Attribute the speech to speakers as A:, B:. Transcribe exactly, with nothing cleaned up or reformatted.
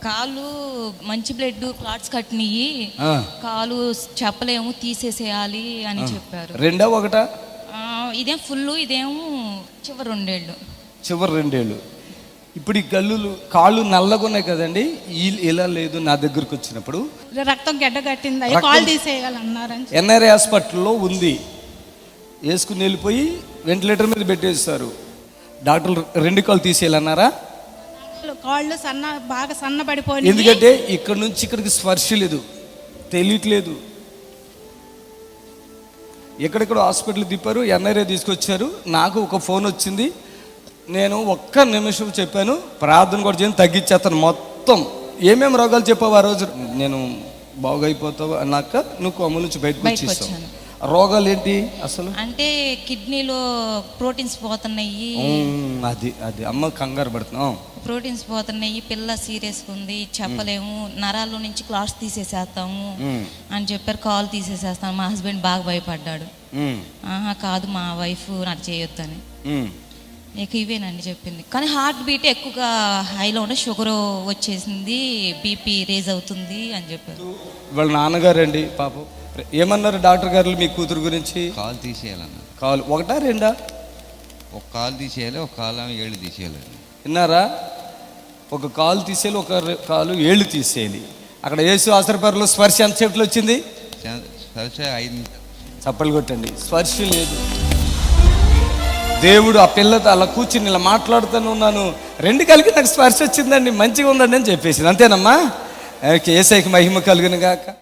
A: కాలు మంచి blood clots కట్టినయి,
B: ఆ.
A: కాలు చెప్పలేము తీసేసేయాలి అని చెప్పారు.
B: రెండా ఒకటా?
A: ఆ, ఇదేం ఫుల్, ఇదేమో చివరి రెండేళ్ళు.
B: చివరి రెండేళ్ళు. ఇప్పుడు ఈ గల్లులు కాళ్ళు నల్లగా ఉన్నాయి కదండి, ఈ- ఇలా లేదు. నా దగ్గరకు వచ్చినప్పుడు
C: రక్తం గడ్డ కట్టింది, అయ్యో
B: రక్తం-
C: కాల్ తీసేయాలన్నారని
B: ఎన్ఆర్ఐ హాస్పిటల్లో ఉంది. వేసుకుని వెళ్ళిపోయి వెంటిలేటర్ మీద పెట్టేస్తారు. డాక్టర్లు రెండు కాళ్ళు తీసేయాలన్నారా?
C: కాళ్ళు సన్న బాగా సన్నబడిపోయి,
B: ఎందుకంటే ఇక్కడ నుంచి ఇక్కడికి స్పర్శ లేదు, తెలియట్లేదు. ఎక్కడెక్కడ హాస్పిటల్ తిప్పారు, ఎన్ఆర్ఐ తీసుకొచ్చారు. నాకు ఒక ఫోన్ వచ్చింది. నేను ఒక్క నిమిషం చెప్పాను, ప్రార్థన కూడా చేయను, తగ్గించేస్తాను మొత్తం. ఏమేమి రోగాలు చెప్పావు ఆ రోజు? నేను బాగైపోతావు అన్నాక నువ్వు కొమ్మ నుంచి బయటకు
A: బయటకు
B: వచ్చేస్తావు.
A: వచ్చాను.
B: రోగాలు ఏంటి అసలు?
A: అంటే కిడ్నీలో ప్రోటీన్స్ పోతున్నాయి,
B: ఉమ్, అది అది అమ్మ కంగారు పడుతున్నాం.
A: ప్రోటీన్స్ పోతున్నాయి, పిల్ల సీరియస్ ఉంది, చెప్పలేము, నరాల్లో నుంచి క్లాట్స్ తీసేసేస్తాము అని చెప్పారు. కాల్ తీసేసేస్తాను. మా హస్బెండ్ బాగా భయపడ్డాడు.
B: ఉమ్,
A: ఆహా కాదు, మా వైఫ్ నాకు చేయొద్దని.
B: ఉమ్.
A: ఇక ఇవేనండి చెప్పింది. కానీ హార్ట్ బీట్ ఎక్కువగా హైలో ఉంటే షుగర్ వచ్చేసింది, బీపీ రేజ్ అవుతుంది అని చెప్పారు.
B: వాళ్ళ నాన్నగారు అండి పాపం ఏమన్నారు డాక్టర్ గారు మీ కూతురు గురించి?
D: కాలు తీసేయాలన్న.
B: కాలు ఒకటా రెండా?
D: ఒక కాలు తీసేయాలి, ఒక కాలు ఏళ్ళు తీసేయాలి.
B: విన్నారా? ఒక కాలు తీసేయాలి, ఒక రె- కాలు ఏళ్ళు తీసేయాలి. అక్కడ యేసు ఆసరపరలో స్పర్శ ఎంత సేపట్లో వచ్చింది?
D: సరిసే ఐదు
B: చప్పలు కొట్టండి. స్పర్శ లేదు. దేవుడు ఆ పిల్లతో అలా కూర్చుని ఇలా మాట్లాడుతూనే ఉన్నాను, రెండు కలిగి నాకు స్పర్శ వచ్చిందండి, మంచిగా ఉందండి అని చెప్పేసి. అంతేనమ్మా? ఏసైకి మహిమ కలుగును గాక.